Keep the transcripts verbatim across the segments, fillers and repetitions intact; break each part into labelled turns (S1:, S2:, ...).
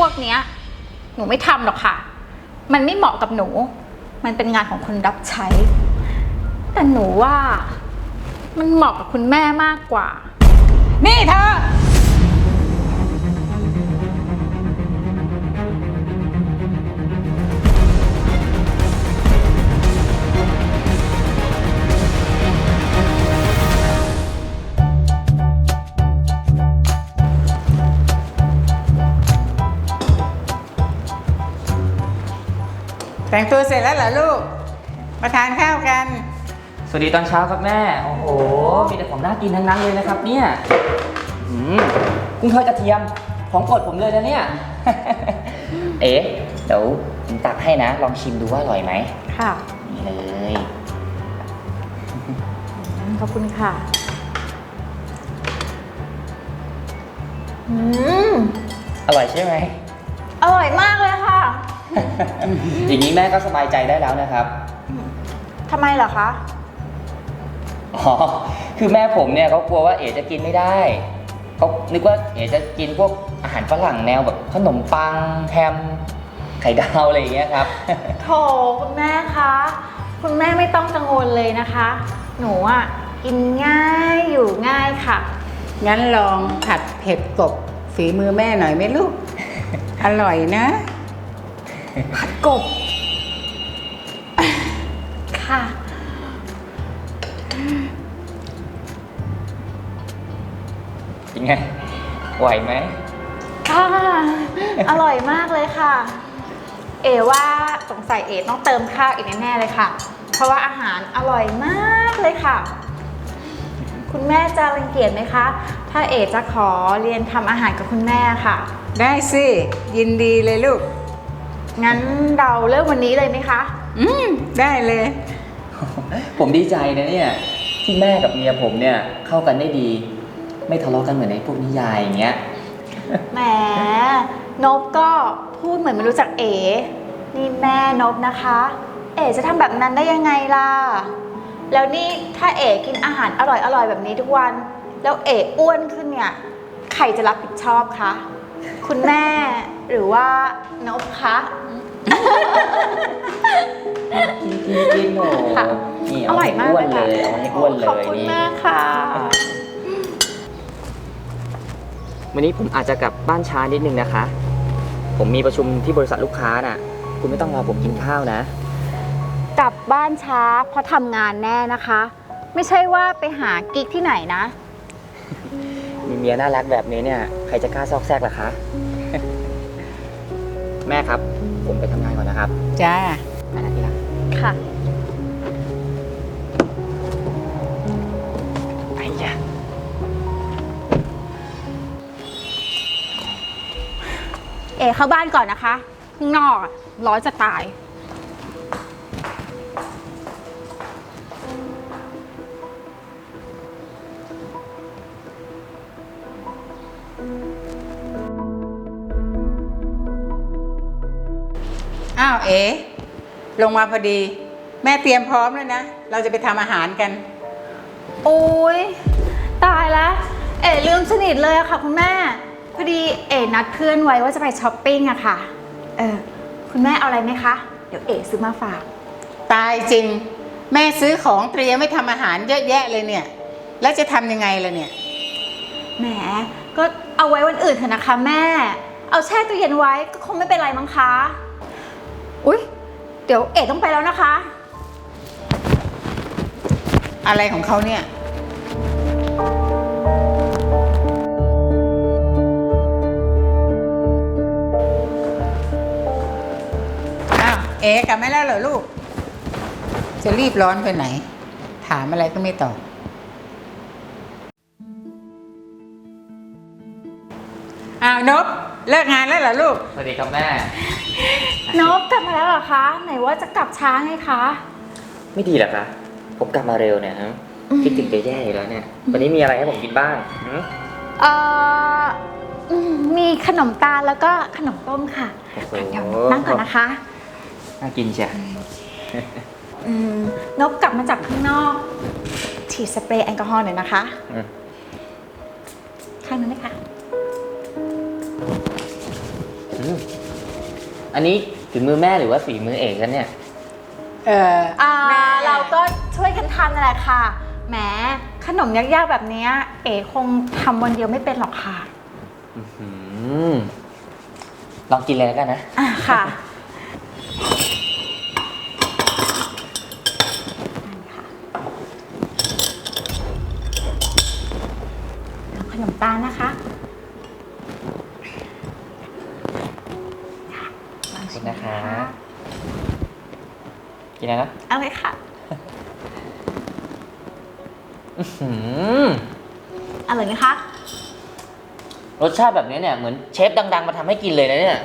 S1: กเนี้ยหนูไม่ทำหรอกค่ะมันไม่เหมาะกับหนูมันเป็นงานของคนรับใช้แต่หนูว่ามันเหมาะกับคุณแม่มากกว่า
S2: นี่เธอแต่งตัวเสร็จแล้วเหรอลูกมาทานข้าวกัน
S3: สวัสดีตอนเช้าครับแม่โอ้โหมีแต่ของน่ากินทั้งนั้นเลยนะครับเนี่ยอืมกุ้งทอดกระเทียมของโปรดผมเลยนะเนี่ย เอ๋เดี๋ยวผมตักให้นะลองชิมดูว่าอร่อยไหม
S1: ค่ะ
S3: นี่เลย
S1: ขอบคุณค่ะอืม
S3: อร่อยใช่ไหม
S1: อร่อยมากเลยค่ะ
S3: อย่างนี้แม่ก็สบายใจได้แล้วนะครับ
S1: ทำไมเหรอคะ
S3: อ๋อคือแม่ผมเนี่ยเขากลัวว่าเอ๋จะกินไม่ได้เขานึกว่าเอ๋จะกินพวกอาหารฝรั่งแนวแบบขนมปังแฮมไข่ดาวอะไรอย่างเงี้ยครับ
S1: โถคุณแม่คะคุณแม่ไม่ต้องกังวลเลยนะคะหนูอ่ะกินง่ายอยู่ง่ายค่ะ
S2: งั้นลองผัดเผ็ดกบฝีมือแม่หน่อยไหมลูก อร่อยนะ
S1: ผัดกบค่ะ
S3: เป็นไงไหวไหม
S1: ค่ะอร่อยมากเลยค่ะเอ๋ว่าสงสัยเอ๋ต้องเติมข้าวอีกแน่ๆเลยค่ะเพราะว่าอาหารอร่อยมากเลยค่ะคุณแม่จะรังเกียจไหมคะถ้าเอ๋จะขอเรียนทำอาหารกับคุณแม่ค่ะ
S2: ได้สิยินดีเลยลูก
S1: งั้นเราเริ่มวันนี้เลยไหมคะ
S2: อืมได้เลย
S3: ผมดีใจนะเนี่ยที่แม่กับเมียผมเนี่ยเข้ากันได้ดีไม่ทะเลาะกันเหมือนในพวกนิยายอย่างเงี้ย
S1: แหมนบก็พูดเหมือนไม่รู้จักเอ๋นี่แม่นบนะคะเอ๋จะทำแบบนั้นได้ยังไงล่ะแล้วนี่ถ้าเอ๋กินอาหารอร่อยๆแบบนี้ทุกวันแล้วเอ๋อ้วนขึ้นเนี่ยใครจะรับผิดชอบคะคุณแม่หรือว่านบคะ
S3: กินกินกินโหนี่
S1: อร่อยมาก
S3: เลยเอาให้อ้วนเลย
S1: ขอบคุณมากค่ะ
S3: วันนี้ผมอาจจะกลับบ้านช้านิดนึงนะคะผมมีประชุมที่บริษัทลูกค้าน่ะคุณไม่ต้องรอผมกินข้าวนะ
S1: กลับบ้านช้าเพราะทำงานแน่นะคะไม่ใช่ว่าไปหากิ๊กที่ไหนนะ
S3: มีเมียน่ารักแบบนี้เนี่ยใครจะกล้าซอกแซกล่ะคะ แม่ครับผมไปทำงานก่อนนะครับ
S2: จ้า
S3: ไปนะที่รัก
S1: ค่ะ
S3: ไปจ้ะ
S1: เอ๋เข้าบ้านก่อนนะคะข้างนอกร้อนจะตาย
S2: อ้าวเอ๋ลงมาพอดีแม่เตรียมพร้อมแล้วนะเราจะไปทำอาหารกัน
S1: โอ้ยตายแล้วเอ๋ลืมสนิทเลยอะค่ะคุณแม่พอดีเอ๋นัดเพื่อนไว้ว่าจะไปช้อปปิ้งอะค่ะเออคุณแม่เอาอะไรไหมคะเดี๋ยวเอ๋ซื้อมาฝาก
S2: ตายจริงแม่ซื้อของเตรียมไม่ทำอาหารเยอะแยะเลยเนี่ยแล้วจะทำยังไงล่ะเนี่ย
S1: แหมก็เอาไว้วันอื่นเถอะนะคะแม่เอาแช่ตู้เย็นไว้ก็คงไม่เป็นไรมั้งคะอุ๊ยเดี๋ยวเอ๋ต้องไปแล้วนะคะ
S2: อะไรของเขาเนี่ยอ้าวเอ๋กลับมาแล้วเหรอลูกจะรีบร้อนไปไหนถามอะไรก็ไม่ตอบอ้าวนบเลิกงานแล้วเหรอลูก
S3: สวัสดีครับแม่
S1: นบกลับมาแล้วเหรอคะไหนว่าจะกลับช้าไงคะ
S3: ไม่ดีเหรอคะผมกลับมาเร็วเนี่ยฮะคิดถึงจะแย่อยู่แล้วเนี่ยวันนี้มีอะไรให้ผมกินบ้าง
S1: เอ่อมีขนมตาลแล้วก็ขนมต้มค่ะเดี๋ยวนั่งก่อนนะคะ
S3: น่ากินใช่
S1: นบกลับมาจากข้างนอกฉีดสเปรย์แอลกอฮอล์หน่อยนะคะข้างนั้นไหมคะ
S3: อันนี้ฝีมือแม่หรือว่าฝีมือเอกกันเนี่ย
S2: เออ
S1: อ่า
S2: แม่
S1: เราก็ช่วยกันทำนั่นแหละค่ะแหมขนมยากๆแบบเนี้ยเอ๋คงทำวันเดียวไม่เป็นหรอกค่ะ
S3: อื้อหือลองกินเลยแล้วกันนะ
S1: อ่ะค่ะเอาขนมตาลนะคะ
S3: ขอบคุณนะคะ กินอะไรนะ
S1: เอาเลยค่ะ
S3: อื้อหือ
S1: อร่อยไหมคะ
S3: รสชาติแบบนี้เนี่ยเหมือนเชฟดังๆมาทำให้กินเลยนะเนี่ย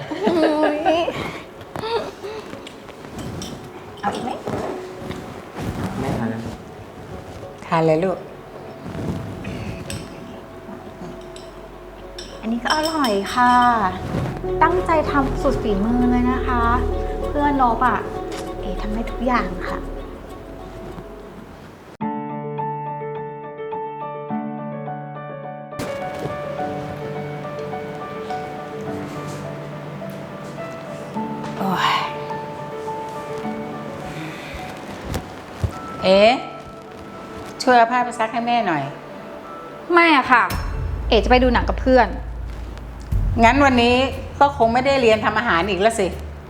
S1: เอาอีกไหม
S3: แม่ทานนะ
S2: ทานเลยลูก
S1: อันนี้ก็อร่อยค่ะ ตั้งใจทำสุดฝีมือเลยนะคะ เพื่อนนบอ่ะ เอ๋ทำได้ทุกอย่างค่ะ
S2: โอ้ยเอ๊ะช่วยเอาผ้าไปซักให้แม่หน่อย
S1: ไม่อะค่ะ เอ๋จะไปดูหนังกับเพื่อน
S2: งั้นวันนี้ก็คงไม่ได้เรียนทำอาหารอีกแล้วสิ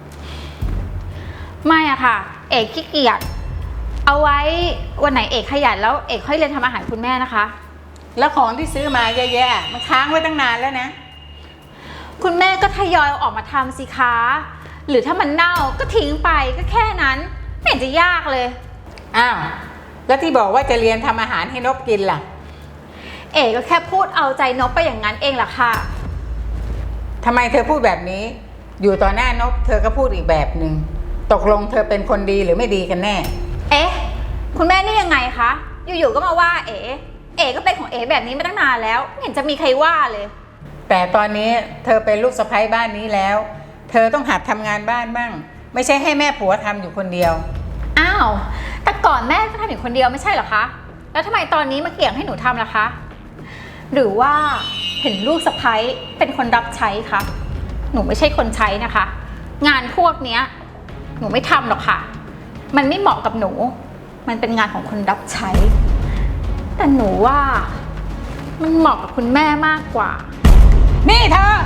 S1: ไม่อะค่ะ เอ๋ขี้เกียจ เอาไว้วันไหนเอ๋ขยันแล้วเอ๋ค่อยเรียนทำอาหารคุณแม่นะคะ
S2: แล้วของที่ซื้อมาเยอะแยะมันค้างไว้ตั้งนานแล้วนะ
S1: คุณแม่ก็ทยอยเอาออกมาทำสิคะ หรือถ้ามันเน่าก็ทิ้งไปก็แค่นั้น ไม่เห็นจะยากเลย
S2: อ้าว แล้วที่บอกว่าจะเรียนทำอาหารให้นบกินล่ะ
S1: เอ๋ก็แค่พูดเอาใจนบไปอย่างนั้นเองล่ะค่ะ
S2: ทำไมเธอพูดแบบนี้ อยู่ต่อหน้านบเธอก็พูดอีกแบบหนึ่ง ตกลงเธอเป็นคนดีหรือไม่ดีกันแน่
S1: เอ๊ะ คุณแม่นี่ยังไงคะ อยู่ๆก็มาว่าเอ๋ เอ๋ก็เป็นของเอ๋แบบนี้มาตั้งนานแล้วไม่เห็นจะมีใครว่าเลย
S2: แต่ตอนนี้เธอเป็นลูกสะใภ้บ้านนี้แล้ว เธอต้องหัดทำงานบ้านบ้าง ไม่ใช่ให้แม่ผัวทำอยู่คนเดียว
S1: อ้าว แต่ก่อนแม่ก็ทำอยู่คนเดียวไม่ใช่เหรอคะ แล้วทำไมตอนนี้มาเกี่ยงให้หนูทำล่ะคะ หรือว่าเห็นลูกสะใภ้เป็นคนรับใช้คะ หนูไม่ใช่คนใช้นะคะ งานพวกเนี้ย หนูไม่ทำหรอกค่ะ มันไม่เหมาะกับหนู มันเป็นงานของคนรับใช้ แต่หนูว่ามันเหมาะกับคุณแม่มากกว่า
S2: นี่เธอ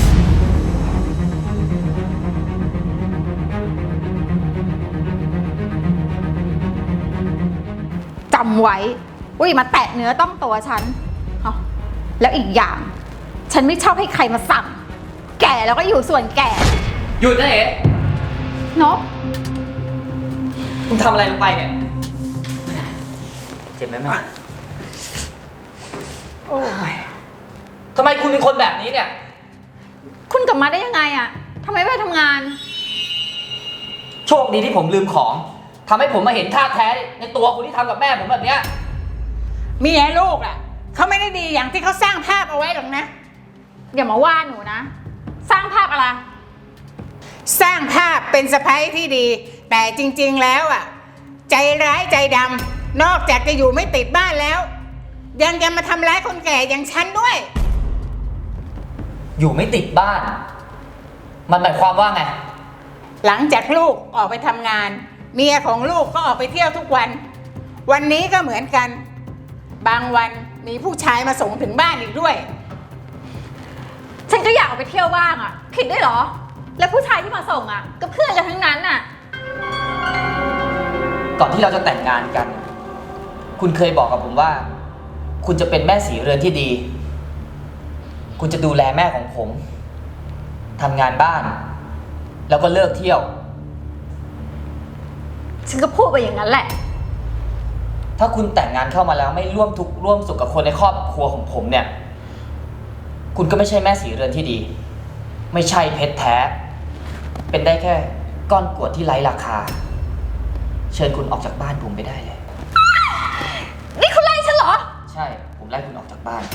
S1: จำไว้ว่าอย่ามาแตะเนื้อต้องตัวฉันเอาแล้วอีกอย่าง ฉันไม่ชอบให้ใครมาสั่ง แก่แล้วก็อยู่ส่วนแก่
S3: หยุดนะเอ๋
S1: นบ
S3: คุณทำอะไรลงไปเนี่ย เจ็บไหมแม่
S2: โอ้ย
S3: ทำไมคุณเป็นคนแบบนี้เนี่ย
S1: คุณกลับมาได้ยังไงอะทำไมไม่ไปทำงาน
S3: โชคดีที่ผมลืมของทำให้ผมมาเห็นท่าแท้ในตัวคุณที่ทำกับแม่ผมแบบเนี้ย
S2: เมียลูกอ่ะเขาไม่ได้ดีอย่างที่เขาสร้างภาพเอาไว้หรอกนะ
S1: อย่ามาว่าหนูนะ สร้างภาพอะไร
S2: สร้างภาพเป็นสะใภ้ที่ดี แต่จริงๆแล้วอ่ะ ใจร้ายใจดำนอกจากจะอยู่ไม่ติดบ้านแล้ว ยังจะมาทำร้ายคนแก่อย่างฉันด้วย
S3: อยู่ไม่ติดบ้าน มันหมายความว่าไง
S2: หลังจากลูกออกไปทำงาน เมียของลูกก็ออกไปเที่ยวทุกวัน วันนี้ก็เหมือนกัน บางวันมีผู้ชายมาส่งถึงบ้านอีกด้วย
S1: ฉันก็อยากออกไปเที่ยวบ้างอะผิดด้วยเหรอ แล้วผู้ชายที่มาส่งอะก็เพื่อนกันทั้งนั้นน่ะ
S3: ก่อนที่เราจะแต่งงานกัน คุณเคยบอกกับผมว่า คุณจะเป็นแม่สีเรือนที่ดี คุณจะดูแลแม่ของผมทำงานบ้าน แล้วก็เลิกเที่ยว
S1: ฉันก็พูดไปอย่างนั้นแหละ
S3: ถ้าคุณแต่งงานเข้ามาแล้วไม่ร่วมทุกข์ร่วมสุขกับคนในครอบครัวของผมเนี่ย คุณก็ไม่ใช่แม่สีเรือนที่ดี ไม่ใช่เพชรแท้ เป็นได้แค่ก้อนกรวดที่ไร้ราคา เชิญคุณออกจากบ้านผมไปได้เลย
S1: นี่คุณไล่ฉันเหรอ
S3: ใช่ ผมไล่คุณออกจากบ้าน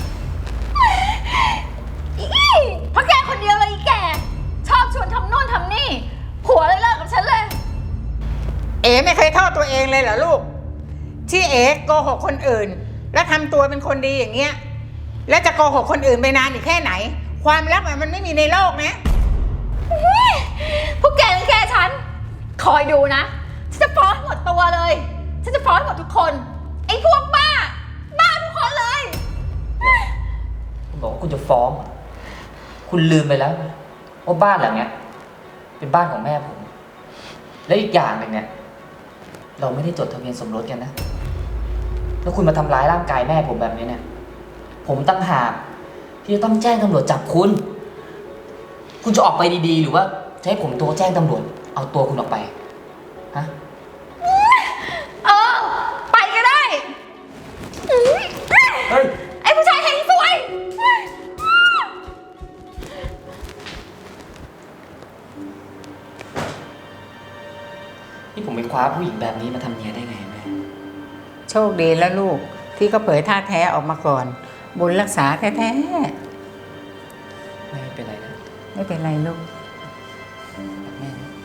S1: อีเพราะแกคนเดียวเลยอีแก ชอบชวนทำโน่นทำนี่ ผัวเลยเลิกกับฉันเลย
S2: เอ๋ไม่เคยโทษตัวเองเลยเหรอลูก ที่เอ๋โกหกคนอื่น และทำตัวเป็นคนดีอย่างเงี้ย แล้วจะโกหกคนอื่นไปนานอีกแค่ไหน ความรักมันไม่มีในโลกนะ
S1: พวกแกรังแกฉัน คอยดูนะ ฉันจะฟ้องให้หมดตัวเลย ฉันจะฟ้องให้หมดทุกคน ไอ้พวกบ้า บ้าทุกคนเลย
S3: คุณบอกว่าคุณจะฟ้อง คุณลืมไปแล้วว่าบ้านหลังเนี้ยเป็นบ้านของแม่ผม และอีกอย่างหนึ่งเนี่ย เราไม่ได้จดทะเบียนสมรสกันนะ แล้วคุณมาทำร้ายร่างกายแม่ผมแบบนี้เนี่ย ผมตั้งหากที่จะต้องแจ้งตำรวจจับคุณ คุณจะออกไปดีๆ หรือว่าจะให้ผมโทรแจ้งตำรวจเอาตัวคุณออกไป ฮะ
S1: เออ ไปก็ได้
S3: เฮ้ย
S1: ไอ้ผู้ชายเฮงซวย
S3: นี่ผมไปคว้าผู้หญิงแบบนี้มาทำเมียได้ไงแม่
S2: โชคดีแล้วลูกที่เขาเผยท่าแท้ออกมาก่อน บุญรักษาแท้
S3: ไม่เป็นไรนะ
S2: ๆไม่เป็นไรลูก
S3: รักแม่นะ